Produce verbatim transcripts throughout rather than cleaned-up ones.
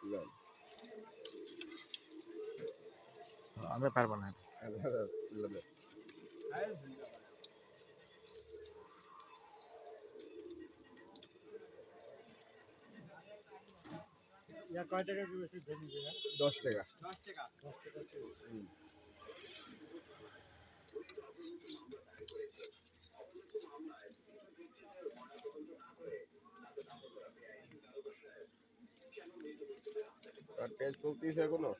আমরা পারবো না। দশ টাকা। আর পেজ চলতেছে এখনো?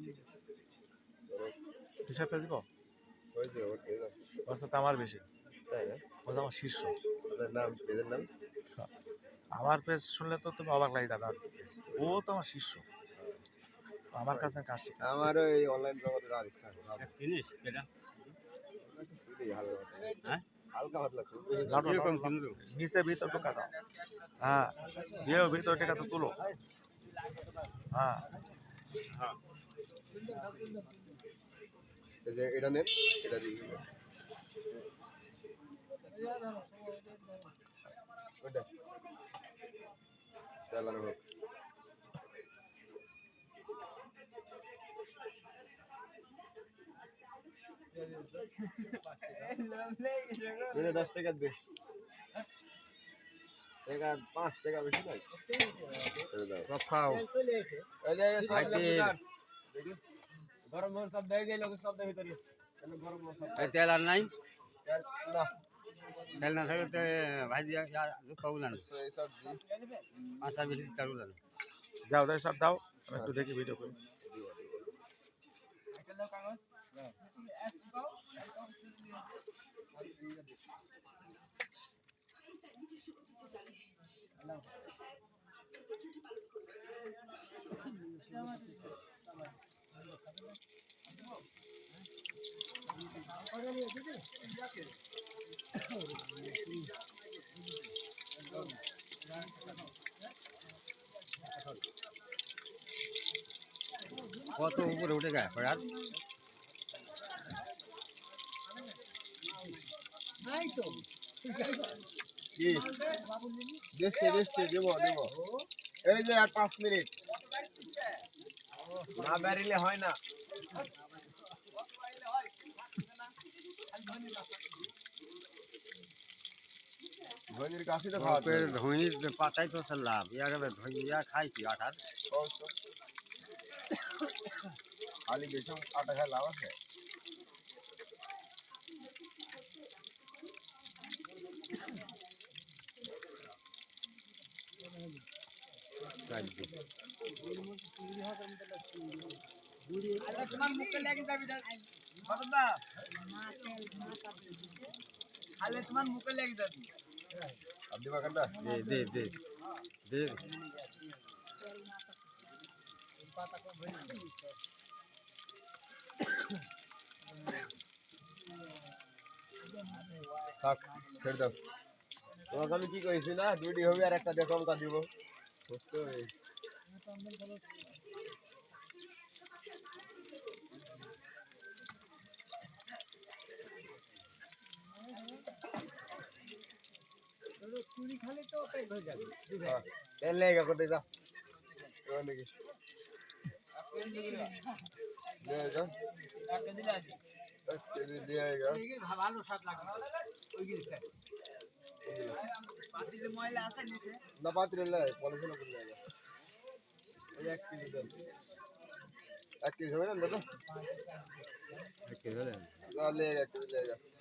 হিসাব পেয়েছি তো ওই যে ওর পেজ আছে। অবস্থা তো আমার বেশি, তাই না? ও তো আমার শীর্ষ। ওটার নাম, পেজের নাম? আমার পেজ শুনলে তো তুমি অবাক লাগে যাবে। আর কি পেজ, ও তো আমার শীর্ষ, আমার কাছে কাজ শিখে। আমারও এই অনলাইন জগতে যাওয়ার ইচ্ছা আছে। জিনিস এটা হালকা পাতলা নিচে ভিতর ঢোকা দাও। হ্যাঁ, বিয়ে ভিতর টেকা তো তুলো। হ্যাঁ, এই যে এটা নেন, এটা দিই। ওটা চালানো হোক। দশ টাকা দে, টাকা পাঁচ টাকা বেশি নাই। খাও গরম মশলা সব দেয় যায়, লোক সব দেয় ভিতরে। গরম মশলা তেল আর নাই, না তেল না থাকলে তো ভাজি খাবো না। এইসব দিই। আশা বেশি চালু না। যাও তাই সব দাও, আমি একটু দেখি ভিডিও করি। কত উপরে উঠে যায় আর কি দেখছে দেখছে দেবো দেবো। এই যে আর পাঁচ মিনিট না বেরিলে হয় না। ধনির কাছে তো খাওয়া ধনির পাতাই তো লাভ। ইয়া খাই কি আঠার খালি বেশি আটা খায় লাভ আছে। তোমার মুখে লেগে যাবি, খালে তোমার মুখে লেগে যাবি। আপনি বাগানটা দে দে দে থাক ছেড়ে দাও। তোমাকে আমি কি কইছি না, দুইটি হবে আর একটা দিয়ে চমকা দিব। বুঝতে চুরি খালি তো পেট হয়ে যাবে। তেল লেগে করতে যা নাকি ভালো স্বাদ লাগবে। পাতিলে ময়লা আছে নিচে না, পাত্রে পলিথিন করলে ওই এক কেজি দেন। এক কেজি হবে না দাদা? এক কেজি হলে এক কেজি লেগে